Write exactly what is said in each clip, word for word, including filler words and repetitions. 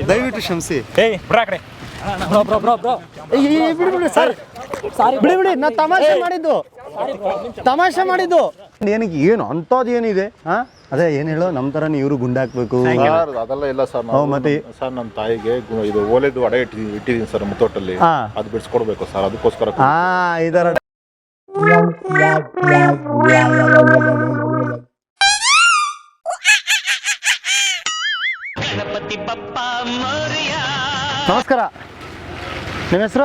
ದಯವಿಟ್ಟು ಕ್ಷಮಿಸಿ. ಏಯ್ ಬ್ರಾ ಕಡೆ ಬ್ರೋ ಬ್ರೋ ಬ್ರೋ ಬ್ರೋ ಬಿಡಿ ಬಿಡಿ ಸರ್, ಬಿಡಿ ಬಿಡಿ, ನಾ ತಮಾಷೆ ಮಾಡಿದ್ದು ತಮಾಷೆ ಮಾಡಿದ್ದು ಏನಕ್ಕೆ ಏನು ಅಂಥದ್ದು ಏನಿದೆ? ಹಾಂ ಅದೇ ಏನು ಹೇಳೋ ನಮ್ಮ ಥರನೇ ಇವರು ಗುಂಡಾಕ್ಬೇಕು ಅದೆಲ್ಲ ಇಲ್ಲ ಸರ್. ಮತ್ತೆ ಸರ್ ನಮ್ಮ ತಾಯಿಗೆ ಇದು ಓಲೆದು ಅಡೆ ಇಟ್ಟಿ ಇಟ್ಟಿದ್ದೀನಿ ಸರ್ ಮುತ್ತೋಟಲ್ಲಿ, ಅದು ಬಿಡಿಸ್ಕೊಡ್ಬೇಕು ಸರ್, ಅದಕ್ಕೋಸ್ಕರ. ಹಾಂ ಇದರ ನಮಸ್ಕಾರ, ನಿಮ್ಮ ಹೆಸರು?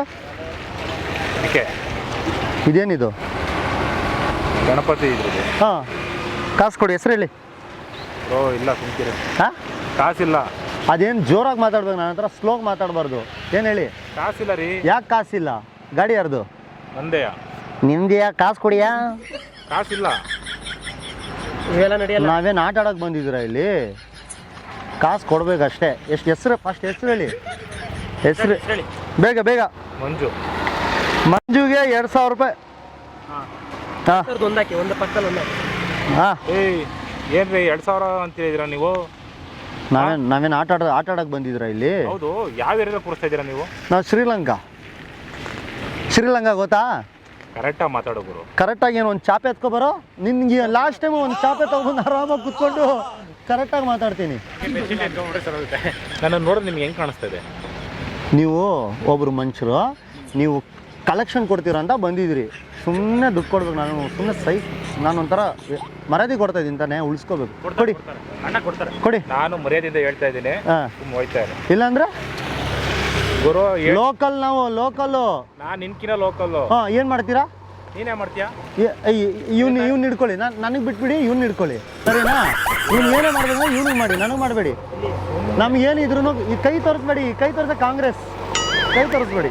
ಇದೇನಿದು? ಗಣಪತಿ ಇದ್ರದ್ದು. ಹಾಂ ಕಾಸು ಕೊಡಿ, ಹೆಸರು ಹೇಳಿ. ಓ ಇಲ್ಲ ಕುಂತಿರಿ. ಹಾಂ ಕಾಸಿಲ್ಲ. ಅದೇನು ಜೋರಾಗಿ ಮಾತಾಡ್ಬೇಕು, ನನ್ನ ಹತ್ರ ಸ್ಲೋಗಿ ಮಾತಾಡಬಾರ್ದು. ಏನು ಹೇಳಿ? ಕಾಸಿಲ್ಲ ರೀ. ಯಾಕೆ ಕಾಸಿಲ್ಲ? ಗಾಡಿ ಯಾರ್ದು? ನಂದೆಯಾ? ನಿಮ್ದೆಯಾ? ಕಾಸು ಕೊಡಿಯಾ? ಕಾಸಿಲ್ಲ. ಇವೆಲ್ಲ ನಡೆಯಲ್ಲ. ನಾವೇನು ಆಟ ಆಡೋಕೆ ಬಂದಿದ್ದೀರಾ ಇಲ್ಲಿ? ಕಾಸು ಕೊಡ್ಬೇಕಷ್ಟೇ. ಎಷ್ಟು ಹೆಸರು? ಫಸ್ಟ್ ಹೆಸರು ಹೇಳಿ. ಹೆಸರು ಬೇಗ ಬೇಗ. ಮಂಜು. ಮಂಜುಗೆ ಎರಡು ಸಾವಿರ ರೂಪಾಯಿ. ಹಾಂ ಒಂದಾಕಿ ಒಂದು ಪಕ್ಕದಲ್ಲಿ ಒಂದಾಕಿ. ಹಾಂ ಏಯ್ ಏನ್ರಿ ಎರಡು ಸಾವಿರ ಅಂತಿದ್ದೀರಾ ನೀವು? ನಾವೇನು ನಾವೇನು ಆಟ ಆಡ ಆಟ ಆಡೋಕೆ ಬಂದಿದ್ದೀರಾ ಇಲ್ಲಿ? ಹೌದು. ಯಾವ ಏರಿಯಾದಲ್ಲಿ ಕೂರಿಸ್ತಾ ಇದ್ದೀರಾ ನೀವು? ನಾವು ಶ್ರೀಲಂಕಾ. ಶ್ರೀಲಂಕಾ ಗೊತ್ತಾ? ಕರೆಕ್ಟಾಗಿ ಮಾತಾಡೋ ಗುರು. ಕರೆಕ್ಟಾಗಿ ಏನು ಒಂದು ಚಾಪೆ ಎತ್ಕೊಬರೋ? ನಿನ್ಗೆ ಲಾಸ್ಟ್ ಟೈಮು ಒಂದು ಚಾಪೆ ತೊಗೊಂಡು ಆರಾಮಾಗಿ ಕುತ್ಕೊಂಡು ಕರೆಕ್ಟಾಗಿ ಮಾತಾಡ್ತೀನಿ. ನನ್ನ ನೋಡಿದ್ರೆ ನಿಮ್ಗೆ ಹೆಂಗೆ ಕಾಣಿಸ್ತಾ ಇದೆ? ನೀವು ಒಬ್ಬರು ಮನುಷ್ಯರು, ನೀವು ಕಲೆಕ್ಷನ್ ಕೊಡ್ತೀರ ಅಂತ ಬಂದಿದ್ದೀರಿ. ಸುಮ್ಮನೆ ದುಡ್ಡು ಕೊಡ್ಬೇಕು. ನಾನು ಸುಮ್ಮನೆ ಸೈ ನಾನು ಒಂಥರ ಮರ್ಯಾದೆ ಕೊಡ್ತಾ ಇದ್ದೀನಿ ತಾನೇ, ಉಳಿಸ್ಕೋಬೇಕು. ಕೊಡಿ ಅಣ್ಣ ಕೊಡ್ತಾರೆ, ಕೊಡಿ. ನಾನು ಮರ್ಯಾದೆಯಿಂದ ಹೇಳ್ತಾ ಇದ್ದೀನಿ. ಹಾಂ ಹೋಯ್ತಾ ಇದೆ. ಇಲ್ಲಾಂದ್ರೆ ಗುರು ಲೋಕಲ್, ನಾವು ಲೋಕಲ್ಲು. ನಾನು ನಿನ್ಕಿನ ಲೋಕಲ್ಲು. ಹಾಂ ಏನು ಮಾಡ್ತೀರಾ? ನೀನೇ ಮಾಡ್ತೀಯಾ? ಇವ್ನು ಇವ್ನು ಹಿಡ್ಕೊಳ್ಳಿ, ನಾನು ನನಗೆ ಬಿಟ್ಬಿಡಿ, ಇವ್ನು ಹಿಡ್ಕೊಳ್ಳಿ, ಸರಿನಾ? ಇವ್ನು ಏನೇ ಮಾಡಬೇಕು ಇವ್ನಿಗೆ ಮಾಡಿ, ನನಗೆ ಮಾಡಬೇಡಿ. ನಮಗೇನಿದ್ರು ಈ ಕೈ ತೋರಿಸ್ಬೇಡಿ, ಕೈ ತೋರಿಸ ಕಾಂಗ್ರೆಸ್ ಕೈ ತೋರಿಸ್ಬೇಡಿ.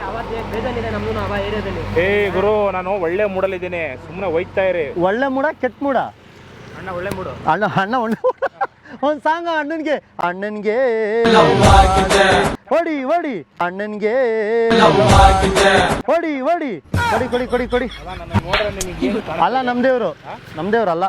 ಏ ಗುರು, ನಾನು ಒಳ್ಳೆ ಮೂಡಲ್ಲಿದ್ದೀನಿ, ಸುಮ್ಮನೆ ಹೋಯ್ತಾ ಇರಿ. ಒಳ್ಳೆ ಮೂಡ ಕೆಟ್ಟ ಮೂಡ? ಅಣ್ಣ ಒಳ್ಳೆ ಮೂಡು. ಅಣ್ಣ ಅಣ್ಣ ಒಳ್ಳೆ ಒಂದು ಸಾಂಗ ಅಣ್ಣನಿಗೆ. ಅಣ್ಣನಿಗೆ ಹೊಡಿ ಹೊಡಿ, ಅಣ್ಣನಿಗೆ ಹೊಡಿ ಹೊಡಿ, ಕೊಡಿ ಕೊಡಿ ಕೊಡಿ ಕೊಡಿ. ಅಲ್ಲ ನಮ್ದೇವ್ರು, ನಮ್ದೇವ್ರಲ್ಲ.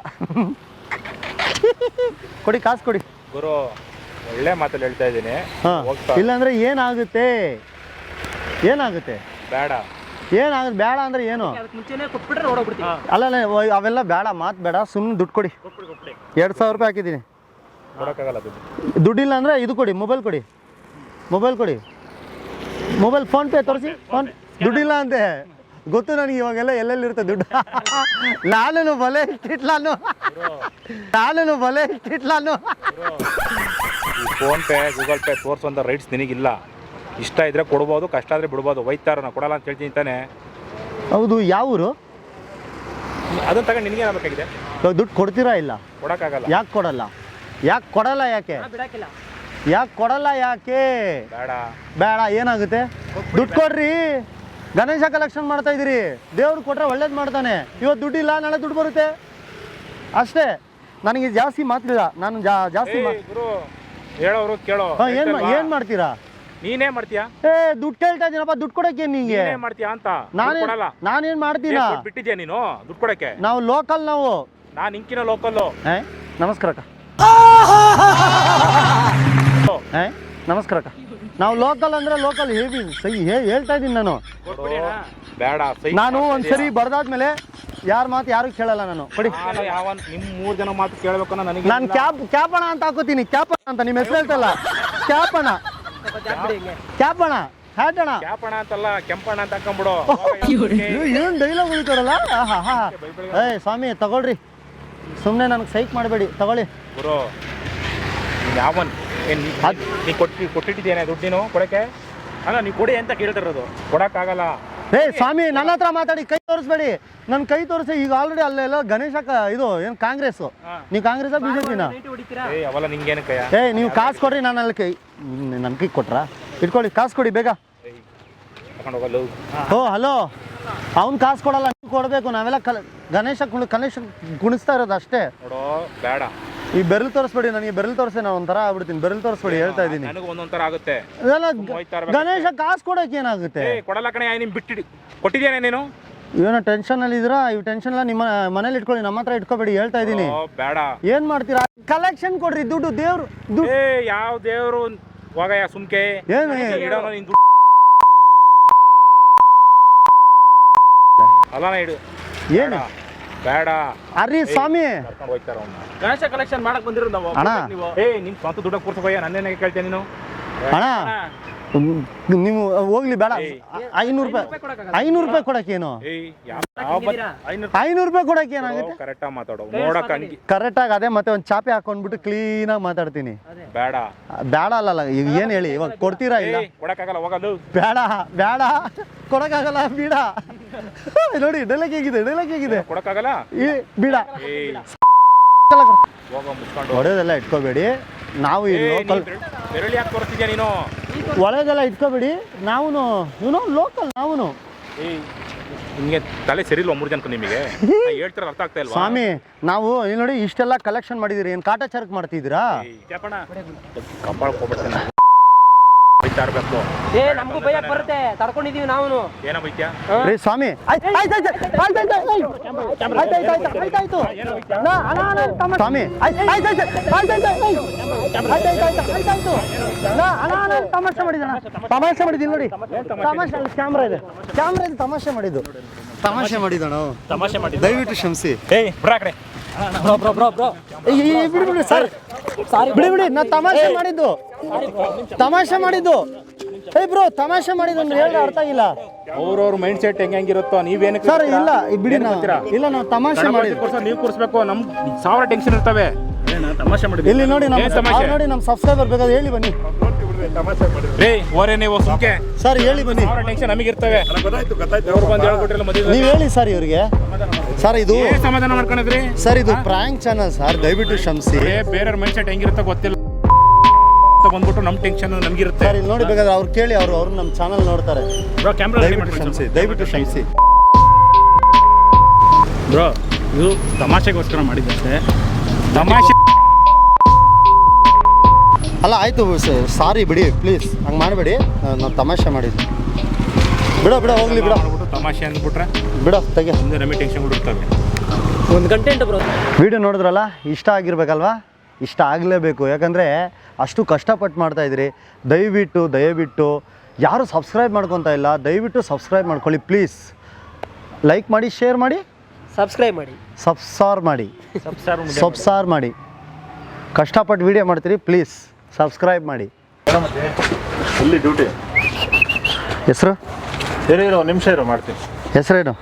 ಕೊಡಿ ಕಾಸು ಕೊಡಿ ಗುರು. ಒಳ್ಳೆ ಮಾತಲ್ಲಿ ಹೇಳ್ತಾ ಇದ್ದೀನಿ. ಹಾಂ ಇಲ್ಲಾಂದ್ರೆ ಏನಾಗುತ್ತೆ? ಏನಾಗುತ್ತೆ? ಬೇಡ. ಏನಾಗುತ್ತೆ? ಬೇಡ ಅಂದ್ರೆ ಏನು? ಮುಂಚೆನೇ ಕೊಟ್ಬಿಟ್ರೆ ನೋಡೋಗ್ಬಿಡ್ತೀವಿ. ಅಲ್ಲ ಅವೆಲ್ಲ ಬೇಡ, ಮಾತು ಬೇಡ, ಸುಮ್ಮನೆ ದುಡ್ಡು ಕೊಡಿ. ಎರಡು ಸಾವಿರ ರೂಪಾಯಿ ಹಾಕಿದ್ದೀನಿ. ಕೊಡೋಕ್ಕಾಗಲ್ಲ ದುಡ್ಡು. ದುಡ್ಡಿಲ್ಲ ಅಂದರೆ ಇದು ಕೊಡಿ, ಮೊಬೈಲ್ ಕೊಡಿ, ಮೊಬೈಲ್ ಕೊಡಿ, ಮೊಬೈಲ್ ಫೋನ್ಪೇ ತೋರಿಸಿ. ಫೋನ್ ದುಡ್ಡಿಲ್ಲ ಅಂತೆ ಗೊತ್ತು ನನಗೆ. ಇವಾಗೆಲ್ಲ ಎಲ್ಲೆಲ್ಲಿರುತ್ತೆ ದುಡ್ಡು. ನಾನು ಬಲೆ ಇಟ್ಟಿಟ್ಲಾನು ನಾನು ಬಲೆ ಇಟ್ಟಿಟ್ಲಾನು ಫೋನ್ ಪೇ ಗೂಗಲ್ ಪೇ ತೋರಿಸುವಂಥ ರೈಟ್ಸ್ ನಿನಗಿಲ್ಲ. ಇಷ್ಟ ಇದ್ರೆ ಕೊಡ್ಬೋದು, ಕಷ್ಟ ಆದರೆ ಬಿಡ್ಬೋದು. ಒಯ್ತಾರ ನಾ ಕೊಡಲ್ಲ ಅಂತ ಹೇಳ್ತೀನಿ ತಾನೆ. ಹೌದು. ಯಾವ ಊರು? ಅದನ್ನು ತಗೊಂಡು ನಿನಗೆ ಏನಾಗಬೇಕಾಗಿದೆ? ದುಡ್ಡು ಕೊಡ್ತೀರಾ? ಇಲ್ಲ ಕೊಡೋಕ್ಕಾಗಲ್ಲ. ಯಾಕೆ ಕೊಡಲ್ಲ? ಯಾಕೆ ಕೊಡಲ್ಲ? ಯಾಕೆ ಬಿಡಾಕಿಲ್ಲ. ಯಾಕೆ ಕೊಡಲ್ಲ? ಯಾಕೆ ಬೇಡ? ಬೇಡ. ಏನಾಗುತ್ತೆ? ದುಡ್ಡು ಕೊಡ್ರಿ. ಗಣೇಶ ಕಲೆಕ್ಷನ್ ಮಾಡ್ತಾ ಇದ್ದೀರಿ, ದೇವ್ರು ಕೊಟ್ಟರೆ ಒಳ್ಳೇದು ಮಾಡ್ತಾನೆ. ಇವತ್ತು ದುಡ್ಡಿಲ್ಲ, ನಾಳೆ ದುಡ್ಡು ಬರುತ್ತೆ ಅಷ್ಟೇ. ನನಗೆ ಜಾಸ್ತಿ ಮಾತಿಲ್ಲ, ನಾನು ಜಾಸ್ತಿ ಗುರು ಹೇಳೋರು ಕೇಳೋ. ಏನು ಏನು ಮಾಡ್ತೀರಾ? ನೀನೇ ಮಾಡ್ತೀಯಾ? ಏ ದುಡ್ಡು ಕೇಳ್ತಾ ಇದ್ದೀನಪ್ಪ, ದುಡ್ಡು ಕೊಡಕ್ಕೆ ನಿಂಗೆ ಮಾಡ್ತೀಯಾ ಅಂತ. ನಾನೇ ನಾನೇನು ಮಾಡ್ತೀನ? ಬಿಟ್ಟಿದ್ಯಾ ನೀನು ದುಡ್ಡು ಕೊಡಕ್ಕೆ? ನಾವು ಲೋಕಲ್, ನಾವು ನಾನು ಇಂಕಿನ ಲೋಕಲ್ಲು. ಏ ನಮಸ್ಕಾರ ಅಕ್ಕ. ಏ ನಮಸ್ಕಾರ ಅಕ್ಕ. ನಾವು ಲೋಕಲ್ ಅಂದ್ರೆ ಲೋಕಲ್ ಹೇಳಿ ಸಹಿ ಹೇಳ್ತಾ ಇದ್ದೀನಿ ನಾನು. ಬೇಡ. ನಾನು ಒಂದ್ಸರಿ ಬರ್ದಾದ್ಮೇಲೆ ಯಾರ ಮಾತು ಯಾರು ಕೇಳಲ್ಲ ನಾನು. ಕೊಡಿ. ಯಾವ ನಿಮ್ ಮೂರ್ ಜನ ಮಾತು ಕೇಳಬೇಕು ನನಗೆ. ನಾನು ಕ್ಯಾಪ್ ಕ್ಯಾಪಣ ಅಂತ ಹಾಕೋತೀನಿ. ಕ್ಯಾಪಣ ಅಂತ ನಿಮ್ಮ ಹೆಸರು ಹೇಳ್ತಲ್ಲ, ಕ್ಯಾಪಣ ಕ್ಯಾಪಣ ಹ್ಯಾಟಣ ಕ್ಯಾಪಣ ಅಂತಲ್ಲ, ಕೆಂಪಣ ಅಂತ ಹಾಕೊಂಡ್ಬಿಡು. ಏನು ಡೈಲಾಗ್ ಉಳಿತಾರಲ್ಲ. ಹಾ ಹಾ ಏ ಸ್ವಾಮಿ ತಗೊಳ್ರಿ, ಸುಮ್ಮನೆ ನನಗೆ ಸೈಕ್ ಮಾಡಬೇಡಿ, ತಗೊಳ್ಳಿ. ಗುರು ಯಾವನ್ ನೀ ಕೊಟ್ಟು ಕೊಟ್ಟಿದ್ದೇನೆ ದುಡ್ಡು ನೀನು ಕೊಡಕ್ಕೆ? ಅಲ್ಲ ನೀವು ಕೊಡಿ ಅಂತ ಕೇಳ್ತಿರೋದು. ಕೊಡಕ್ಕಾಗಲ್ಲ. ಏ ಸ್ವಾಮಿ ನನ್ನ ಹತ್ರ ಮಾತಾಡಿ, ಕೈ ತೋರಿಸ್ಬೇಡಿ. ನನ್ನ ಕೈ ತೋರಿಸಿ. ಈಗ ಆಲ್ರೆಡಿ ಅಲ್ಲೆಲ್ಲ ಗಣೇಶ ಇದು ಏನು ಕಾಂಗ್ರೆಸ್, ನೀವು ಕಾಂಗ್ರೆಸ್ ಬಿಜೆಪಿನ? ಏ ಅವಲ್ಲ ನಿಂಗೇನು ಕೈ? ಏ ನೀವು ಕಾಸು ಕೊಡ್ರಿ, ನಾನು ಅಲ್ಲಿ ಕೈ ನನ್ನ ಕೈ ಕೊಟ್ರಾ? ಇಟ್ಕೊಳ್ಳಿ, ಕಾಸು ಕೊಡಿ ಬೇಗ. ಓ ಹಲೋ, ಅವ್ನು ಕಾಸು ಕೊಡಲ್ಲ, ನೀವು ಕೊಡಬೇಕು. ನಾವೆಲ್ಲ ಕಲ ಗಣೇಶ ಕುಣ ಗಣೇಶ ಗುಣಿಸ್ತಾ ಇರೋದು ಅಷ್ಟೇ. ನೋಡೋ ಬೇಡ. ಈ ಬೆರಳು ತೋರಿಸ್ಬೇಡಿ ನನಗೆ. ಬೆರಳು ತೋರಿಸಿ ನಾನು ಒಂಥರ ಆಗ್ಬಿಡ್ತೀನಿ. ಬೆರಳು ತೋರಿಸ್ಬೇಡಿ, ಹೇಳ್ತಾ ಇದ್ದೀನಿ. ನನಗೆ ಒಂದೊಂಥರ ಆಗುತ್ತೆ. ಗಣೇಶ ಕಾಸು ಕೊಡೋಕೆ ಏನಾಗುತ್ತೆ? ಕೊಡಲ್ಲ ಕಣೆ. ನಿಮ್ ಬಿಟ್ಟು ಕೊಟ್ಟಿದ್ದೇನೆ ನೀನು. ಏನೋ ಟೆನ್ಷನ್ ಅಲ್ಲಿ ಇದ್ದೀರಾ? ಈ ಟೆನ್ಷನ್ ಎಲ್ಲ ನಿಮ್ಮ ಮನೇಲಿ ಇಟ್ಕೊಳ್ಳಿ, ನಮ್ಮ ಹತ್ರ ಇಟ್ಕೋಬೇಡಿ, ಹೇಳ್ತಾ ಇದ್ದೀನಿ. ಬೇಡ. ಏನ್ ಮಾಡ್ತೀರಾ? ಕಲೆಕ್ಷನ್ ಕೊಡ್ರಿ ದುಡ್ಡು. ದೇವ್ರು ಏ ಯಾವ ದೇವ್ರು ಹೋಗಯ್ಯ ಸುಮ್ಕೆ ಏನು ಇಡೋಣ ನಿನ್ ದುಡ್ಡು ಅಲ್ಲನ ಇಡು ಏನು ಬೇಡ ಅರಿ ಸ್ವಾಮಿ ಕರ್ಕೊಂಡು ಹೋಗ್ತಾರ ಅವ್ನ ಗಣೇಶ ಕಲೆಕ್ಷನ್ ಮಾಡಕ್ ಬಂದಿರೋ ನಾವು ಅಣ್ಣ. ನೀವು ಏ ನಿನ್ ಸ್ವಂತ ದುಡ್ಡ ಕೂರ್ಸೋಯ್ಯ ನನ್ನೇನಾಗ ಕೇಳ್ತೇನೆ ನೀನು ಅಣ್ಣ ನೀವು ಹೋಗ್ಲಿ ಬೇಡ ಐನೂರು ರೂಪಾಯಿ ಐನೂರು ರೂಪಾಯಿ ಕೊಡಕ್ಕೇನು ಏಯ್ ಯಾವ ಐನೂರು ಐನೂರು ರೂಪಾಯಿ ಕೊಡಕ್ಕೆ ಏನಾಗುತ್ತೆ ಕರೆಕ್ಟಾಗಿ ಮಾತಾಡೋ ನೋಡಕ್ ಹಂಗಿ ಕರೆಕ್ಟಾಗಿ ಅದೇ ಮತ್ತೆ ಒಂದು ಚಾಪೆ ಹಾಕೊಂಡ್ಬಿಟ್ಟು ಕ್ಲೀನಾಗಿ ಮಾತಾಡ್ತೀನಿ ಬೇಡ ಬೇಡ ಅಲ್ಲಲ್ಲ ಈಗ ಏನು ಹೇಳಿ ಇವಾಗ ಕೊಡ್ತೀರಾ ಇಲ್ಲ ಏಯ್ ಕೊಡಕ್ಕಾಗಲ್ಲ ಹೋಗಲು ಬೇಡ ಬೇಡ ಕೊಡಕ್ಕಾಗಲ್ಲ ಬೀಡ ನೋಡಿ ಡೈಲಾಗ್ ಹೇಗಿದೆ ಡೈಲಾಗ್ ಹೇಗಿದೆ ಕೊಡಕ್ಕಾಗಲ್ಲ ಈ ಬೀಡ ಏಯ್ ಹೋಗ ಮುಚ್ಕೊಂಡು ಹೊಡೆದೆಲ್ಲ ಇಟ್ಕೋಬೇಡಿ ನಾವು ಈ ಲೋಕಲ್ ಬೆರಳಿ ಯಾಕೆ ತೋರಿಸ್ತಿದ್ಯಾ ನೀನು ಒಳಗೆಲ್ಲ ಇಟ್ಕೋಬೇಡಿ ನಾವು ಇವನು ಲೋಕಲ್ ನಾವು ಏಯ್ ನಿಮಗೆ ತಲೆ ಸರಿ ಇಲ್ಲ ಮೂರು ಜನಕ್ಕೆ ನಿಮಗೆ ಹೇಳ್ತಾರ ಅರ್ಥ ಆಗ್ತಾ ಇಲ್ವಾ ಸ್ವಾಮಿ ನಾವು ಇಲ್ಲಿ ನೋಡಿ ಇಷ್ಟೆಲ್ಲ ಕಲೆಕ್ಷನ್ ಮಾಡಿದಿರಿ ಏನು ಕಾಟಾಚಾರಕ್ಕೆ ಮಾಡ್ತಿದ್ದೀರಾ ಜಪಣ ಕಪಾಳ ಹೋಗ್ಬಿಡ್ತೇನೆ ಬೈತಾ ಇರ್ಬೇಕು ಏ ನಮಗೂ ಭಯ ಬರುತ್ತೆ ತಡ್ಕೊಂಡಿದೀವಿ ನಾವು ಏನೋ ಬೈತ್ಯಾ ರೀ ಸ್ವಾಮಿ ಆಯ್ತು ಆಯ್ತು ಆಯ್ತು ಆಯ್ತು ಆಯ್ತು ಆಯ್ತು ಆಯ್ತು ಆಯ್ತು ಆಯ್ತು ನಾ ಅಣ್ಣ ಅಣ್ಣ ತಮ್ಮ ಸ್ವಾಮಿ ಆಯ್ತು ಆಯ್ತು ಆಯ್ತು ಆಯ್ತು ಆಯ್ತು ಆಯ್ತು ಆಯ್ತು ಆಯ್ತು ಆಯ್ತು ನಾ ಅಣ್ಣ ಅಣ್ಣ ತಮಾಷೆ ಮಾಡಿದಣ ತಮಾಷೆ ಮಾಡಿದ್ದೀನಿ ನೋಡಿ ತಮಾಷೆ ಅಲ್ಲಿ ಕ್ಯಾಮ್ರಾ ಇದೆ ಕ್ಯಾಮ್ರಾ ಇದೆ ತಮಾಷೆ ಮಾಡಿದ್ದು ತಮಾಷೆ ಮಾಡಿದಣ ತಮಾಷೆ ಮಾಡಿ ದಯವಿಟ್ಟು ಕ್ಷಮಿಸಿ ಏಯ್ ಬಿಡ ಕಡೆ ಬ್ರೋ ಬ್ರೋ ಬ್ರೋ ಬ್ರೋ ಬಿಡಿ ಬಿಡಿ ಸರ್ ಸಾರಿ ಬಿಡಿ ಬಿಡಿ ನಾ ತಮಾಷೆ ಮಾಡಿದ್ದು ತಮಾಷೆ ಮಾಡಿದ್ದು ಏಯ್ ಬ್ರೋ ತಮಾಷೆ ಮಾಡಿದ್ದು ಹೇಳಿ ಅರ್ಥ ಆಗಿಲ್ಲ ಅವ್ರವ್ರ ಮೈಂಡ್ ಸೆಟ್ ಹೆಂಗ್ ಹೆಂಗಿರುತ್ತೋ ನೀವೇನಕ್ಕೆ ಸರ್ ಇಲ್ಲ ಈ ಬಿಡಿ ನಾವು ಇಲ್ಲ ನಾವು ತಮಾಷೆ ಮಾಡಿದ್ದು ನೀವು ಕೂರಿಸ್ಬೇಕು ನಮ್ ಸಾವಿರ ಟೆನ್ಷನ್ ಇರ್ತವೆ ತಮಾಷೆ ಮಾಡಿ ಇಲ್ಲಿ ನೋಡಿ ನಮ್ಮ ಏನ್ ತಮಾಷೆ? ಅವ್ರು ನೋಡಿ ನಮ್ಮ ಸಬ್ಸ್ಕ್ರೈಬರ್ ಬೇಕಾದ್ರೆ ಹೇಳಿ ಬನ್ನಿ ರೇ ಓರೇ ನೀವು ಸುಮ್ಕೆ ಸರ್ ಹೇಳಿ ಬನ್ನಿ ಸಾವಿರ ಟೆನ್ಷನ್ ನಮಗೆ ಇರ್ತವೆ ಅವ್ರು ಬಂದು ಹೇಳ್ಕೊಟ್ಟಿರಲ್ಲ ಮದುವೆ ನೀವು ಹೇಳಿ ಸರ್ ಇವ್ರಿಗೆ ಸರ್ ಇದು ಏನ್ ಸಮಾಧಾನ ಮಾಡ್ಕೊಂಡಿದ್ರಿ ಸರ್ ಇದು ಪ್ರಾಂಕ್ ಚಾನಲ್ ಸರ್ ದಯವಿಟ್ಟು ಕ್ಷಮಿಸಿ ಏ ಬೇರೆಯವ್ರ ಮೈಂಡ್ ಸೆಟ್ ಹೆಂಗಿರುತ್ತೋ ಗೊತ್ತಿಲ್ಲ ಬಂದ್ಬಿಟ್ಟು ನಮ್ ಟೆನ್ಷನ್ ನಮ್ಗಿರುತ್ತೆ ಸರ್ ಇಲ್ಲಿ ನೋಡಿ ಬೇಕಾದ್ರೆ ಅವ್ರು ಕೇಳಿ ಅವರು ಅವ್ರು ನಮ್ಮ ಚಾನಲ್ ನೋಡ್ತಾರೆ ಬ್ರೋ ಕ್ಯಾಮ್ರಾ ದಯವಿಟ್ಟು ಕ್ಷಮಿಸಿ ದಯವಿಟ್ಟು ಕ್ಷಮಿಸಿ ಬ್ರೋ ಇದು ತಮಾಷೆಗೋಸ್ಕರ ಮಾಡಿದ್ದೆ ತಮಾಷೆ ಅಲ್ಲ ಆಯಿತು ಸಾರಿ ಬಿಡಿ ಪ್ಲೀಸ್ ಹಂಗೆ ಮಾಡಬೇಡಿ ನಾವು ತಮಾಷೆ ಮಾಡಿದ್ವಿ ಬಿಡ ಬಿಡ ಹೋಗ್ಲಿ ಬಿಡ ಮಾಡ್ಬಿಟ್ಟು ತಮಾಷೆ ಅಂದ್ಬಿಟ್ರೆ ಬಿಡ ತೆಗೆ ಮುಂದೆ ನಮಗೆ ಟೆನ್ಷನ್ ಬಿಡುತ್ತವೆ ಒಂದು ಗಂಟೆ ಬ್ರೋ ವಿಡಿಯೋ ನೋಡಿದ್ರಲ್ಲ ಇಷ್ಟ ಆಗಿರ್ಬೇಕಲ್ವಾ ಇಷ್ಟ ಆಗಲೇಬೇಕು ಯಾಕಂದರೆ ಅಷ್ಟು ಕಷ್ಟಪಟ್ಟು ಮಾಡ್ತಾಯಿದ್ರಿ ದಯವಿಟ್ಟು ದಯವಿಟ್ಟು ಯಾರು ಸಬ್ಸ್ಕ್ರೈಬ್ ಮಾಡ್ಕೊತಾ ಇಲ್ಲ ದಯವಿಟ್ಟು ಸಬ್ಸ್ಕ್ರೈಬ್ ಮಾಡ್ಕೊಳ್ಳಿ ಪ್ಲೀಸ್ ಲೈಕ್ ಮಾಡಿ ಶೇರ್ ಮಾಡಿ ಸಬ್ಸ್ಕ್ರೈಬ್ ಮಾಡಿ ಸಬ್ಸಾರ್ ಮಾಡಿ ಸಬ್ಸಾರ್ ಮಾಡಿ ಕಷ್ಟಪಟ್ಟು ವಿಡಿಯೋ ಮಾಡ್ತೀರಿ ಪ್ಲೀಸ್ ಸಬ್ಸ್ಕ್ರೈಬ್ ಮಾಡಿ ಇಲ್ಲಿ ಡ್ಯೂಟಿ ಹೆಸರು ಇರೋ ಇರೋ ನಿಮಿಷ ಇರೋ ಮಾಡ್ತೀನಿ ಹೆಸರೇನು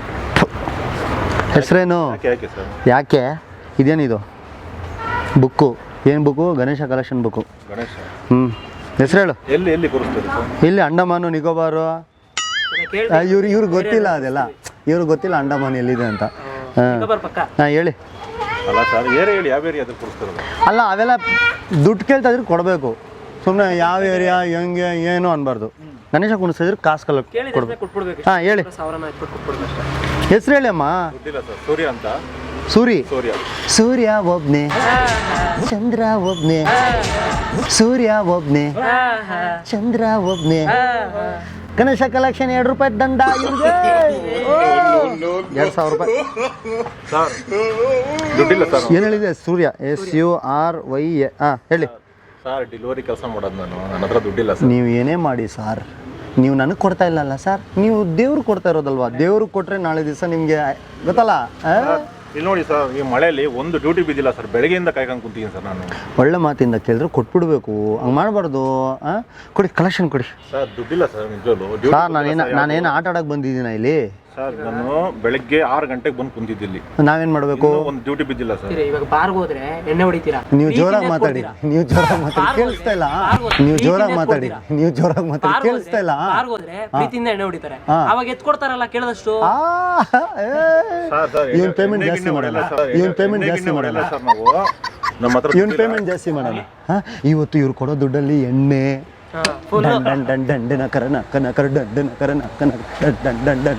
ಹೆಸರೇನು ಯಾಕೆ ಯಾಕೆ ಸರ್ ಯಾಕೆ ಇದೇನಿದು ಬುಕ್ಕು ಏನು book Ganesha collection book Ganesha ಹ್ಞೂ ಹೆಸರು ಹೇಳು ಎಲ್ಲಿ ಎಲ್ಲಿ ಕೂರಿಸ್ತೀರಿ ಸರ್ ಇಲ್ಲಿ ಅಂಡಮಾನು ನಿಕೋಬಾರು ಇವ್ರು ಇವ್ರಿಗೆ ಗೊತ್ತಿಲ್ಲ ಅದೆಲ್ಲ ಇವ್ರಿಗೆ ಗೊತ್ತಿಲ್ಲ ಅಂಡಮಾನ್ ಎಲ್ಲಿದೆ ಅಂತ ಹಾಂ ಪಕ್ಕ ಹಾಂ ಹೇಳಿ ಅಲ್ಲ ಸರ್ ಏರಿಯಾ ಹೇಳಿ ಯಾವ ಏರಿಯಾ ಅದ್ರ ಕೂರಿಸ್ತಿರೋದು ಅಲ್ಲ ಅವೆಲ್ಲ ದುಡ್ಡು ಕೇಳ್ತಾ ಇದ್ರೆ ಕೊಡಬೇಕು ಸುಮ್ಮನೆ ಯಾವ ಏರಿಯಾ ಹೆಂಗೆ ಏನು ಅನ್ಬಾರ್ದು ಗಣೇಶ ಕುಣಿಸಿದ್ರೆ ಕಾಸು ಕಲ ಕೊಡ್ಬೇಕು ಕೊಟ್ಬಿಡ್ಬೇಕು ಹಾಂ ಹೇಳಿ ಸಾವಿರನ ಇಟ್ಬಿಟ್ಟು ಕೊಟ್ಬಿಡ್ಬೇಕು ಹೆಸರು ಹೇಳಿ ಅಮ್ಮ ದುಡ್ಡಿಲ್ಲ ಸರ್ ಸೂರ್ಯ ಅಂತ ಸೂರಿ ಸೂರ್ಯ ಸೂರ್ಯ ಒಬ್ನೇ ಚಂದ್ರ ಒಬ್ನೇ ಸೂರ್ಯ ಒಬ್ನೇ ಚಂದ್ರ ಒಬ್ನೇ ಗಣೇಶ ಕಲೆಕ್ಷನ್ ಎರಡು ರೂಪಾಯಿ ದಂಡ ಇವ್ರಿಗೆ ಎರಡು ಸಾವಿರ ರೂಪಾಯಿ ಸರ್ ದುಡ್ಡಿಲ್ಲ ಸರ್ ಏನು ಹೇಳಿದೆ Surya S U R Y A ಹಾಂ ಹೇಳಿ ಸರ್ ಡೆಲಿವರಿ ಕೆಲಸ ಮಾಡೋದು ನಾನು ನನ್ನ ಹತ್ರ ದುಡ್ಡಿಲ್ಲ ಸರ್ ನೀವು ಏನೇ ಮಾಡಿ ಸರ್ ನೀವು ನನಗೆ ಕೊಡ್ತಾ ಇಲ್ಲಲ್ಲ ಸರ್ ನೀವು ದೇವ್ರು ಕೊಡ್ತಾ ಇರೋದಲ್ವಾ ದೇವ್ರಿಗೆ ಕೊಟ್ಟರೆ ನಾಳೆ ದಿವಸ ನಿಮಗೆ ಗೊತ್ತಲ್ಲ ಆ? ಇಲ್ಲಿ ನೋಡಿ ಸರ್ ಈ ಮಳೆಯಲ್ಲಿ ಒಂದು ಡ್ಯೂಟಿ ಬಿದ್ದಿಲ್ಲ ಸರ್ ಬೆಳಗ್ಗೆಯಿಂದ ಕಾಯ್ಕೊಂಡು ಕುಂತೀನಿ ಸರ್ ನಾನು ಒಳ್ಳೆ ಮಾತಿಂದ ಕೇಳಿದ್ರೆ ಕೊಟ್ಬಿಡ್ಬೇಕು ಹಂಗೆ ಮಾಡಬಾರ್ದು ಕೊಡಿ ಕಲೆಕ್ಷನ್ ಕೊಡಿ ಸರ್ ದುಡ್ಡಿಲ್ಲ ಸರ್ ನಿಜವಲ್ಲೂ ಸರ್ ನಾನೇನು ನಾನೇನು ಆಟ ಆಡೋಕೆ ಬಂದಿದ್ದೀನ ಇಲ್ಲಿ ಸರ್ ನಾನು ಬೆಳಗ್ಗೆ ಆರು ಗಂಟೆಗೆ ಬಂದು ಕುಂತಿದ್ದಿಲ್ಲಿ ನಾವೇನು ಮಾಡಬೇಕು ಒಂದು ಡ್ಯೂಟಿ ಬಿದ್ದಿಲ್ಲ ಸರ್ ಇವಾಗ ಬಾರ್ಗೆ ಹೋದ್ರೆ ಎಣ್ಣೆ ಹೊಡಿತೀರಾ ನೀವು ಜೋರಾಗಿ ಮಾತಾಡಿ ನೀವು ಜೋರಾಗಿ ಮಾತಾಡಿ ಕೇಳಿಸ್ತಾ ಇಲ್ಲ ನೀವು ಜೋರಾಗಿ ಮಾತಾಡಿ ನೀವು ಜೋರಾಗಿ ಮಾತಾಡಿ ಕೇಳಿಸ್ತಾ ಇಲ್ಲ ಬಾರ್ಗೆ ಹೋದ್ರೆ ಪ್ರೀತಿಯಿಂದ ಎಣ್ಣೆ ಹೊಡಿತಾರೆ ಅವಾಗ ಎತ್ಕೊಡ್ತಾರಲ್ಲ ಕೇಳಿದಷ್ಟು ಇವನ್ ಪೇಮೆಂಟ್ ಜಾಸ್ತಿ ಮಾಡಲ್ಲ ಇವನ್ ಪೇಮೆಂಟ್ ಜಾಸ್ತಿ ಮಾಡಲ್ಲ ಸರ್ ನಾವು ನಮ್ಮ ಹತ್ರ ಇವನ್ ಪೇಮೆಂಟ್ ಜಾಸ್ತಿ ಮಾಡಲ್ಲ ಹಾಂ ಇವತ್ತು ಇವ್ರು ಕೊಡೋ ದುಡ್ಡಲ್ಲಿ ಎಣ್ಣೆ ಡನ್ ಡನ್ ಡನ್ ಡನ್ ಡನ್ ನಕರ ನಕ ನಕರ ಡನ್ ಡನ್ ನಕರ ನಕ ನಕ ಡನ್ ಡನ್ ಡನ್ ಡನ್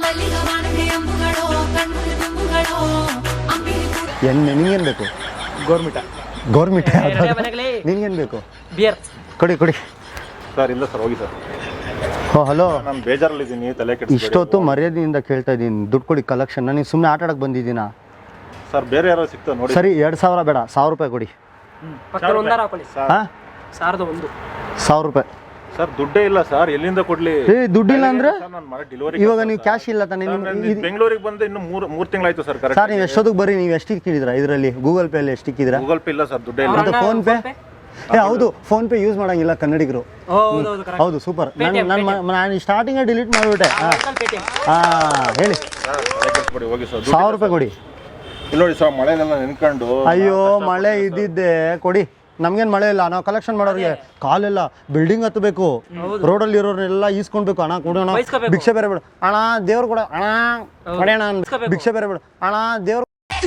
ಎಣ್ಣೆ ನಿಂಗೇನು ಬೇಕು ಗೌರ್ಮೆಂಟ ಗೌರ್ಮೆಂಟ್ ನಿನ್ಗೇನು ಬೇಕು ಬಿಯರ್ ಕೊಡಿ ಕೊಡಿ ಸರ್ ಇಲ್ಲ ಸರ್ ಹೋಗಿ ಸರ್ ಹೋ ಹಲೋ ನಾನು ಬೇಜಾರಲ್ಲಿದ್ದೀನಿ ತಲೆ ಕೆಡಿಸ್ಬೇಡಿ ಇಷ್ಟೊತ್ತು ಮರ್ಯಾದೆಯಿಂದ ಕೇಳ್ತಾ ಇದ್ದೀನಿ ದುಡ್ಡು ಕೊಡಿ ಕಲೆಕ್ಷನ್ ನಾನು ಸುಮ್ಮನೆ ಆಟ ಆಡಕ್ಕೆ ಬಂದಿದ್ದೀನಾ ಸರ್ ಬೇರೆ ಯಾರೋ ಸಿಗ್ತಾ ನೋಡಿ ಸರಿ ಎರಡು ಸಾವಿರ ಬೇಡ ಸಾವಿರ ರೂಪಾಯಿ ಕೊಡಿ ಪಕ್ಕದ ಒಂದಾರ ಹಾಕೊಳ್ಳಿ ಹಾಂ ಸಾವಿರದ ಒಂದು ಸಾವಿರ ರೂಪಾಯಿ ಸರ್ ದುಡ್ಡೇ ಇಲ್ಲ ಸರ್, ಎಲ್ಲಿಂದ ಕೊಡ್ಲಿ? ಏ ದುಡ್ಡಿಲ್ಲ ಅಂದ್ರೆ ಡೆಲಿವರಿ ಇವಾಗ ನೀವು ಕ್ಯಾಶ್ ಇಲ್ಲ ತಾನೆ ನಿಮ್ಗೆ? ಬೆಂಗಳೂರಿಗೆ ಬಂದು ಇನ್ನು ಮೂರು ಮೂರು ತಿಂಗಳಾಯ್ತು ಸರ್. ಕರೆಕ್ಟ್ ಸರ್ ನೀವು ಎಷ್ಟೊತ್ತಿಗೆ ಬರ್ರಿ, ನೀವು ಎಷ್ಟು ಇಕ್ಕಿದ್ದೀರಾ ಇದರಲ್ಲಿ? ಗೂಗಲ್ ಪೇ ಅಲ್ಲಿ ಎಷ್ಟು ಇಕ್ಕಿದ್ದೀರಾ? ಗೂಗಲ್ ಪೇ ಇಲ್ಲ ಸರ್, ದುಡ್ಡೇ ಇಲ್ಲ. ಮತ್ತೆ ಫೋನ್ ಪೇ? ಏ ಹೌದು, ಫೋನ್ ಪೇ ಯೂಸ್ ಮಾಡಂಗಿಲ್ಲ ಕನ್ನಡಿಗರು. ಹೌದು ಸೂಪರ್. ನಾನು ನಾನು ಸ್ಟಾರ್ಟಿಂಗೇ ಡಿಲೀಟ್ ಮಾಡಿಬಿಟ್ಟೆ. ಹಾಂ ಹೇಳಿ. ಹೋಗಿ ಸರ್, ಸಾವಿರ ರೂಪಾಯಿ ಕೊಡಿ. ಇಲ್ಲಿ ನೋಡಿ ಸರ್, ಮಳೆನೆಲ್ಲ ನೆನ್ಕೊಂಡು. ಅಯ್ಯೋ ಮಳೆ ಇದ್ದಿದ್ದೆ ಕೊಡಿ, ನಮ್ಗೇನು ಮಳೆ ಇಲ್ಲ. ನಾವು ಕಲೆಕ್ಷನ್ ಮಾಡೋರಿಗೆ ಕಾಲೆಲ್ಲ ಬಿಲ್ಡಿಂಗ್ ಹತ್ತಬೇಕು, ರೋಡಲ್ಲಿ ಇರೋರೆಲ್ಲ ಈಸ್ಕೊಳ್ಬೇಕು. ಅಣ್ಣ ಕೊಡೋಣ, ಭಿಕ್ಷೆ ಬೇರೆ ಬಿಡು ಅಣ್ಣ, ದೇವ್ರು ಕೊಡ ಅಣ್ಣ, ಕೊಡೋಣ, ಭಿಕ್ಷೆ ಬೇರೆ ಬಿಡು ಅಣ್ಣ, ದೇವ್ರು.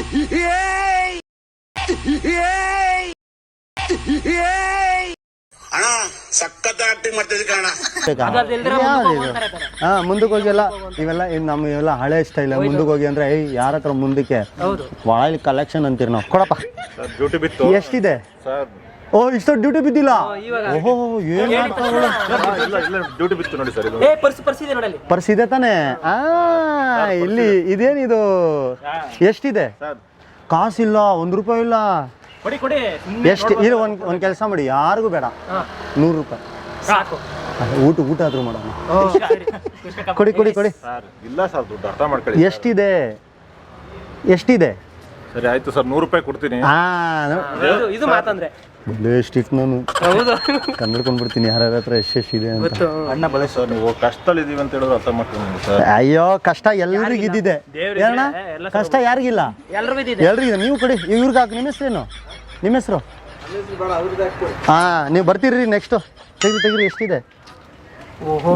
ಹಾ ಮುಂದಕ್ಕೆ ಹೋಗಿ ಎಲ್ಲ ಇವೆಲ್ಲ ನಮ್ಮ ಇವೆಲ್ಲ ಹಳೆ ಸ್ಟೈಲ್. ಮುಂದಕ್ಕೆ ಹೋಗಿ ಅಂದ್ರೆ ಏಯ್ ಯಾರ ಹತ್ರ ಮುಂದಕ್ಕೆ ಒಳಗೆ ಕಲೆಕ್ಷನ್ ಅಂತೀರಿ ನಾವು. ಕೊಡಪ್ಪ. ಡ್ಯೂಟಿ ಬಿತ್ತು. ಎಷ್ಟಿದೆ ಸರ್? ಓ ಇಷ್ಟೊಂದು ಡ್ಯೂಟಿ ಬಿದ್ದಿಲ್ಲ. ಓಹೋ ಏನ್ ಡ್ಯೂಟಿ ಬಿತ್ತು ನೋಡಿ ಸರ್. ಪರ್ಸ್ ಇದೆ ತಾನೆ? ಆ ಇಲ್ಲಿ ಇದೇನಿದು? ಎಷ್ಟಿದೆ? ಕಾಸಿಲ್ಲ, ಒಂದು ರೂಪಾಯಿ ಇಲ್ಲ. ಎಷ್ಟು ಇಲ್ಲ? ಒಂದ್ ಒಂದ್ ಕೆಲಸ ಮಾಡಿ, ಯಾರಿಗೂ ಬೇಡ, ನೂರು ರೂಪಾಯಿ ಊಟ ಊಟ ಆದ್ರೂ ಮಾಡೋಣ. ಕೊಡಿ ಕೊಡಿ ಕೊಡಿ. ಇಲ್ಲ ಸರ್, ದುಡ್ಡು ಅರ್ಥ ಮಾಡ್ಕೊಳ್ಳಿ. ಎಷ್ಟಿದೆ? ಎಷ್ಟಿದೆ? ಸರಿ ಆಯ್ತು ಸರ್, ನೂರು ರೂಪಾಯಿ ಕೊಡ್ತೀನಿ. ಹಾ ಇದು ಮಾತಂದ್ರೆ ಎಷ್ಟಿತ್ತು, ನಾನು ಕನ್ನಡ್ಕೊಂಡ್ಬಿಡ್ತೀನಿ ಯಾರ ಹತ್ರ ಎಷ್ಟೆಷ್ಟಿದೆ ಅಂತ. ಅಣ್ಣ ಬಲೆ ಸರ್, ನೀವು ಕಷ್ಟದಲ್ಲಿದ್ದೀವಿ ಅಂತ ಹೇಳಿದ್ರೆ ಅರ್ಥ ಮಾಡ್ತೀನಿ ಸರ್. ಅಯ್ಯೋ ಕಷ್ಟ ಎಲ್ರಿಗೂ ಇದ್ದಿದೆ ಅಣ್ಣ, ಕಷ್ಟ ಯಾರಿಗಿಲ್ಲ? ಎಲ್ರಿಗಿದೆ. ನೀವು ಕೊಡಿ, ಇವ್ರಿಗೆ ಹಾಕಿ. ನಿಮ್ಮ ಹೆಸರೇನು? ನಿಮ್ಮ ಹೆಸರು? ಹಾ ನೀವು ಬರ್ತೀರಿ ನೆಕ್ಸ್ಟ್. ತೆಗ್ರಿ ತೆಗ್ರಿ. ಎಷ್ಟಿದೆ? ಓಹೋ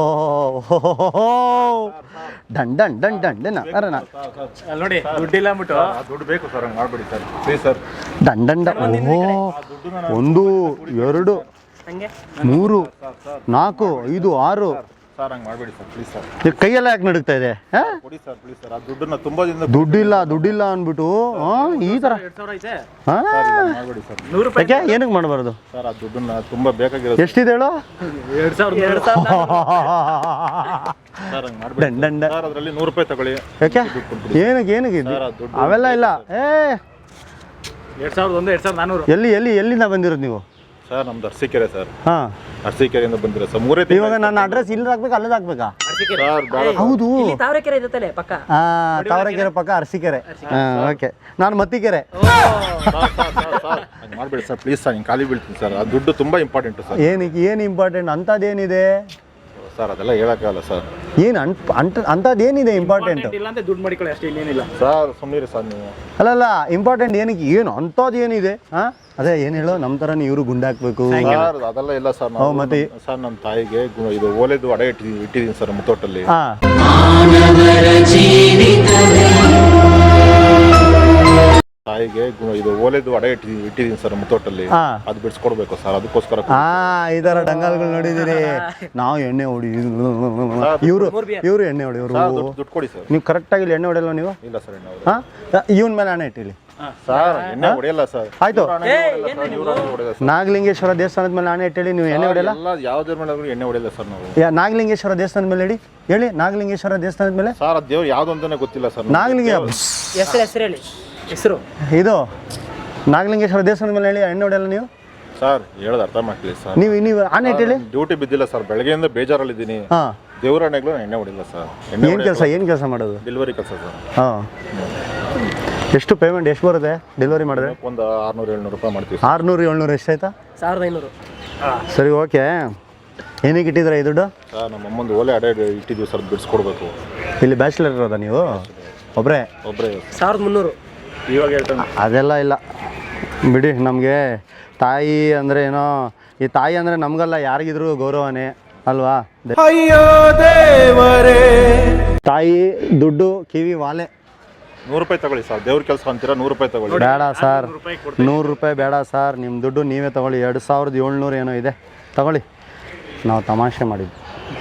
ಡನ್ ಡನ್ ಡನ್ ಡನ್ ಡನ್ ಅರಣ ನೋಡಿ, ದುಡ್ಡಿಲ್ಲ ಅಂದ್ಬಿಟ್ಟು ದುಡ್ಡು ಬೇಕು ಸರ್, ಹಂಗೆ ಮಾಡ್ಬೇಡಿ ಸರ್ ಪ್ಲೀಸ್ ಸರ್. ಡನ್ ಡನ್ ಡನ್. ಓಹೋ ಒಂದು ಎರಡು ಮೂರು ನಾಲ್ಕು ಐದು ಆರು. ಸರ್ ಹಂಗೆ ಮಾಡಬೇಡಿ ಸರ್ ಪ್ಲೀಸ್ ಸರ್. ಕೈಯೆಲ್ಲ ಯಾಕೆ ನಡುಗ್ತಾ ಇದೆ? ಕೊಡಿ ಸರ್ ಪ್ಲೀಸ್ ಸರ್. ಆ ದುಡ್ಡನ್ನ ತುಂಬಾ ದಿನ ದುಡ್ಡಿಲ್ಲ ದುಡ್ಡಿಲ್ಲ ಅಂದ್ಬಿಟ್ಟು ಈ ಥರ ಮಾಡಬೇಡಿ ಸರ್. ನೂರು ರೂಪಾಯಿ ಯಾಕೆ ಏನಕ್ಕೆ ಮಾಡಬಾರ್ದು ಸರ್? ಆ ದುಡ್ಡನ್ನ ತುಂಬಾ ಬೇಕಾಗಿರೋದು. ಎಷ್ಟಿದೆ ಹೇಳು? ಎರಡು ಸಾವಿರ ಎರಡು ಸಾವಿರ ಸರ್ ಹಂಗೆ ಮಾಡಬೇಡಿ ಸರ್. ಅದರಲ್ಲಿ ನೂರು ರೂಪಾಯಿ ತಗೊಳ್ಳಿ. ಯಾಕೆ? ಏನಕ್ಕೆ ಏನಕ್ಕೆ ಅವೆಲ್ಲ ಇಲ್ಲ. ಏ ಎರಡು ಸಾವಿರದ ಒಂದು ಎರಡು ಸಾವಿರದ ನಾನ್ನೂರು. ಎಲ್ಲಿ ಎಲ್ಲಿ ಎಲ್ಲಿಂದ ಬಂದಿರೋದು ನೀವು? ಸರ್ ನಮ್ದು ಅರಸೀಕೆರೆ ಸರ್. ಹಾಂ ಅರಸೀಕೆರೆಯಿಂದ ಬಂದಿರೋ ಸರ್. ಮೂರೇ ಇವಾಗ ನನ್ನ ಅಡ್ರೆಸ್ ಇಲ್ಲಿ ಹಾಕ್ಬೇಕು, ಅಲ್ಲದ ಹಾಕ್ಬೇಕಾ? ಹೌದು ತಾವರೆಕೆರೆ ಇದೆ ತಾನೆ ಪಕ್ಕ? ಹಾ ತಾವರೆಕೆರೆ ಪಕ್ಕ ಅರಸೀಕೆರೆ. ಹಾಂ ಓಕೆ. ನಾನು ಮತ್ತಿಕೆರೆ. ಹಂಗೆ ಮಾಡಬೇಡಿ ಸರ್ ಪ್ಲೀಸ್ ಸರ್, ಹಿಂಗೆ ಖಾಲಿ ಬೀಳ್ತೀನಿ ಸರ್. ಆ ದುಡ್ಡು ತುಂಬ ಇಂಪಾರ್ಟೆಂಟು ಸರ್. ಏನಕ್ಕೆ? ಏನು ಇಂಪಾರ್ಟೆಂಟ್? ಅಂಥದ್ದೇನಿದೆ ಸರ್? ಅದೆಲ್ಲ ಹೇಳೋಕ್ಕಾಗಲ್ಲ ಸರ್. ಏನು ಅಂಟ್ ಅಂಟ್ ಅಂಥದ್ದೇನಿದೆ ಇಂಪಾರ್ಟೆಂಟ್? ಇಲ್ಲ ಅಂತ ದುಡ್ಡು ಮಾಡಿಕೊಳ್ಳಿ ಅಷ್ಟೇ, ಇನ್ನೇನಿಲ್ಲ ಸರ್. ಸುಮ್ಮನೆ ಸರ್ ನೀವು. ಅಲ್ಲಲ್ಲ ಇಂಪಾರ್ಟೆಂಟ್ ಏನಕ್ಕೆ? ಏನು ಅಂಥದ್ದು ಏನಿದೆ? ಹಾಂ ಅದೇ ಏನು ಹೇಳೋ, ನಮ್ಮ ಥರನೇ ಇವರು ಗುಂಡಾಕ್ಬೇಕು ಸರ್? ಅದೆಲ್ಲ ಇಲ್ಲ ಸರ್. ನಾವು ಮತ್ತೆ ಸರ್ ನಮ್ಮ ತಾಯಿಗೆ ಗು- ಇದು ಓಲೆದು ಅಡೆ ಇಟ್ಟಿ ಇಟ್ಟಿದ್ದೀನಿ ಸರ್ ಮುತ್ತೋಟಲ್ಲಿ. ಹಾಂ ತಾಯಿಗೆ ಗು- ಇದು ಓಲೆದು ಅಡೆ ಇಟ್ಟಿ ಇಟ್ಟಿದ್ದೀನಿ ಸರ್ ಮುತ್ತೋಟಲ್ಲಿ. ಹಾಂ ಅದು ಬಿಡಿಸ್ಕೊಡ್ಬೇಕು ಸರ್, ಅದಕ್ಕೋಸ್ಕರ. ಹಾಂ ಈ ಥರ ಡಂಗಲ್ಗಳು ನೋಡಿದ್ದೀರಿ ನಾವು. ಎಣ್ಣೆ ಹೊಡಿ ಇವರು ಇವರು ಎಣ್ಣೆ ಹೊಡಿ ಇವರು. ದುಡ್ಡು ಕೊಡಿ ಸರ್. ನೀವು ಕರೆಕ್ಟಾಗಿ ಇಲ್ಲಿ ಎಣ್ಣೆ ಹೊಡೆಯಲ್ವ ನೀವು? ಇಲ್ಲ ಸರ್ ಎಣ್ಣೆ ಹಾಂ ಇವನ್ ಮೇಲೆ ಹಣ ಇಟ್ಟಿಲಿ ಸರ್. ಎಣ್ಣೆ ಹೊಡೆಯಲ್ಲ ಸರ್. ಆಯ್ತು. ಹೊಡೆಯಲ್ಲ ಸರ್. ನಾಗಲಿಂಗೇಶ್ವರ ದೇವಸ್ಥಾನದ ಮೇಲೆ ಹಣ ಇಟ್ಟೇಳಿ ನೀವು ಎಣ್ಣೆ ಹೊಡೆಯಲ್ಲ? ಎಲ್ಲ ಯಾವುದ್ರ ಮೇಲೆ ಆದ್ರೂ ಎಣ್ಣೆ ಹೊಡೆಯಲ್ಲ ಸರ್ ನಾವು. ಯಾ ನಾಗಲಿಂಗೇಶ್ವರ ದೇವಸ್ಥಾನದ ಮೇಲೆ ಹೇಳಿ ಹೇಳಿ ನಾಗಲಿಂಗೇಶ್ವರ ದೇವಸ್ಥಾನದ ಮೇಲೆ. ಸರ್ ಅದು ದೇವ್ರು ಯಾವ್ದು ಅಂತಾನೆ ಗೊತ್ತಿಲ್ಲ ಸರ್. ನಾಗಲಿಂಗ ಹೆಸರು ಹೆಸರು ಹೇಳಿ ಹೆಸರು. ಇದು ನಾಗಲಿಂಗೇಶ್ವರ ದೇವಸ್ಥಾನದ ಮೇಲೆ ಹೇಳಿ ಎಣ್ಣೆ ಹೊಡೆಯಲ್ಲ ನೀವು? ಸರ್ ಹೇಳೋದು ಅರ್ಥ ಮಾಡ್ತೀವಿ ಸರ್. ನೀವು ನೀವು ಹಣ ಇಟ್ಟೇಳಿ. ಡ್ಯೂಟಿ ಬಿದ್ದಿಲ್ಲ ಸರ್, ಬೆಳಗ್ಗೆಯಿಂದ ಬೇಜಾರಲ್ಲಿದ್ದೀನಿ. ಹಾಂ ದೇವ್ರ ಎಣ್ಣೆಗಳು ಎಣ್ಣೆ ಹೊಡಿಲ್ಲ ಸರ್. ಏನು ಕೆಲಸ ಏನು ಕೆಲಸ ಮಾಡೋದು? ಡೆಲಿವರಿ ಕೆಲಸ ಸರ್. ಹಾಂ ಎಷ್ಟು ಪೇಮೆಂಟ್ ಎಷ್ಟು ಬರುತ್ತೆ ಡೆಲಿವರಿ ಮಾಡಿದ್ರೆ? ಒಂದು ಆರುನೂರು ಏಳ್ನೂರು ರೂಪಾಯಿ ಮಾಡ್ತೀವಿ. ಆರುನೂರು ಏಳ್ನೂರು ಎಷ್ಟಾಯ್ತಾ? ಸಾವಿರದ ಐನೂರು. ಸರಿ ಓಕೆ. ಏನಕ್ಕೆ ಇಟ್ಟಿದ್ರೆ ಈ ದುಡ್ಡು? ಸರ್ ನಮ್ಮ ಅಮ್ಮಂದು ಓಲೆ ಅಡೆ ಇಟ್ಟಿದ್ದೀವಿ ಸರ್, ಬಿಡಿಸ್ಕೊಡ್ಬೇಕು. ಇಲ್ಲಿ ಬ್ಯಾಚುಲರ್ ಇರೋದಾ ನೀವು? ಒಬ್ಬರೇ? ಒಬ್ಬರೇ. ಸಾವಿರದ ಮುನ್ನೂರು. ಇವಾಗ ಹೇಳ್ತಾನೆ. ಅದೆಲ್ಲ ಇಲ್ಲ ಬಿಡಿ. ನಮಗೆ ತಾಯಿ ಅಂದರೆ ಏನೋ, ಈ ತಾಯಿ ಅಂದರೆ ನಮಗಲ್ಲ ಯಾರಿಗಿದ್ರು ಗೌರವನೇ ಅಲ್ವಾ? ತಾಯಿ ದುಡ್ಡು ಕಿವಿ ವಾಲೆ. ನೂರು ರೂಪಾಯಿ ತಗೊಳ್ಳಿ ಸರ್. ದೇವ್ರ ಕೆಲಸ ಅಂತೀರಾ, ನೂರು ರೂಪಾಯಿ ತಗೊಳ್ಳಿ. ಬೇಡ ಸರ್, ನೂರು ರೂಪಾಯಿ ಬೇಡ ಸರ್. ನಿಮ್ಮ ದುಡ್ಡು ನೀವೇ ತಗೊಳ್ಳಿ. ಎರಡು ಸಾವಿರದ ಏಳ್ನೂರು ಏನೋ ಇದೆ ತಗೊಳ್ಳಿ. ನಾವು ತಮಾಷೆ ಮಾಡಿದ್ವಿ,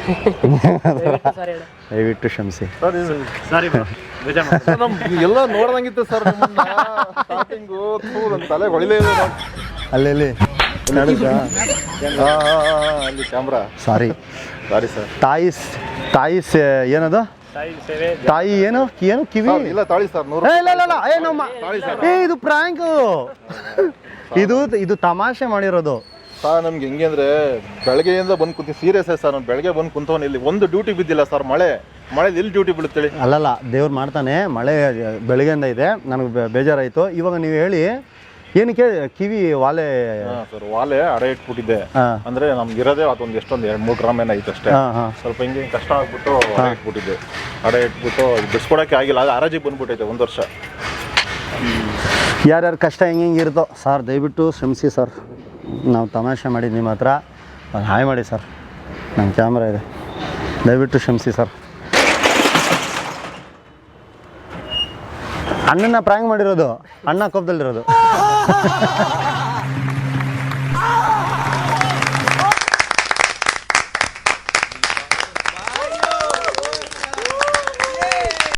ದಯವಿಟ್ಟು ಕ್ಷಮಿಸಿ. ಸಾರಿ ಎಲ್ಲ ನೋಡ್ದಂಗಿತ್ತು ಸರ್. ಸ್ಟಾರ್ಟಿಂಗು ನನ್ನ ತಲೆ ಹೊಳಿಲೇ ಇಲ್ಲ. ಅಲ್ಲೆಲ್ಲಿ ನಡೆದ ಅಲ್ಲಿ ಕ್ಯಾಮ್ರಾ. ಸಾರಿ ಸಾರಿ ಸರ್. ತಾಯಿ ತಾಯಿ ಏನದು? ತಾಯಿ ಏನು ಏನು ಕಿವಿ ಇಲ್ಲ ತಾಳಿ ಸರ್. ನೂರು. ಏ, ಇಲ್ಲ ಇಲ್ಲ ಇಲ್ಲ ಏ ನಮ್ಮ ಏ ಇದು ಪ್ರಾಂಕ್. ಇದು ಇದು ತಮಾಷೆ ಮಾಡಿರೋದು. ಸರ್ ನಮ್ಗೆ ಹೆಂಗೆ ಅಂದರೆ ಬೆಳಗ್ಗೆಯಿಂದ ಬಂದು ಕುಂತೀನಿ ಸೀರಿಯಸ್ ಸರ್ ನಾನು ಬೆಳಗ್ಗೆ ಬಂದು ಕುಂತವನು ಇಲ್ಲಿ ಒಂದು ಡ್ಯೂಟಿ ಬಿದ್ದಿಲ್ಲ ಸರ್ ಮಳೆ ಮಳೆ ಎಲ್ಲಿ ಡ್ಯೂಟಿ ಬೀಳುತ್ತೇಳಿ ಅಲ್ಲಲ್ಲ ದೇವ್ರು ಮಾಡ್ತಾನೆ ಮಳೆ ಬೆಳಗ್ಗೆಯಿಂದ ಇದೆ ನನಗೆ ಬೇ- ಬೇಜಾರಾಯಿತು ಇವಾಗ ನೀವು ಹೇಳಿ ಏನಕ್ಕೆ ಕಿವಿ ವಾಲೆ ಹಾಂ ಸರ್ ವಾಲೆ ಅಡೆ ಇಟ್ಬಿಟ್ಟಿದ್ದೆ ಹಾಂ ಅಂದರೆ ನಮ್ಗೆ ಇರೋದೇ ಅದೊಂದು ಎಷ್ಟೊಂದು ಎರಡು ಮೂರು ಗ್ರಾಮ್ ಏನೈತೆ ಅಷ್ಟೇ ಹಾಂ ಹಾಂ ಸ್ವಲ್ಪ ಹಿಂಗೆ ಕಷ್ಟ ಆಗ್ಬಿಟ್ಟು ಅಡೆ ಇಟ್ಬಿಟ್ಟಿದ್ದೆ ಅಡೆ ಇಟ್ಬಿಟ್ಟು ಬಿಡಿಸ್ಕೊಡೋಕ್ಕೆ ಆಗಿಲ್ಲ ಅದು ಹರಾಜಿಗೆ ಬಂದ್ಬಿಟ್ಟೈತೆ ಒಂದು ವರ್ಷ. ಯಾರ್ಯಾರ ಕಷ್ಟ ಹೆಂಗೆ ಹೆಂಗೆ ಇರುತ್ತೋ ಸರ್ ದಯವಿಟ್ಟು ಶ್ರಮಿಸಿ ಸರ್ ನಾವು ತಮಾಷೆ ಮಾಡಿದ್ದು ನಿಮ್ಮ ಹತ್ರ ಒಂದು ಹಾಯ್ ಮಾಡಿ ಸರ್ ನನ್ನ ಕ್ಯಾಮ್ರಾ ಇದೆ ದಯವಿಟ್ಟು ಕ್ಷಮಿಸಿ ಸರ್. ಅಣ್ಣನ ಪ್ರಾಂಕ್ ಮಾಡಿರೋದು ಅಣ್ಣ ಕೋಪದಲ್ಲಿರೋದು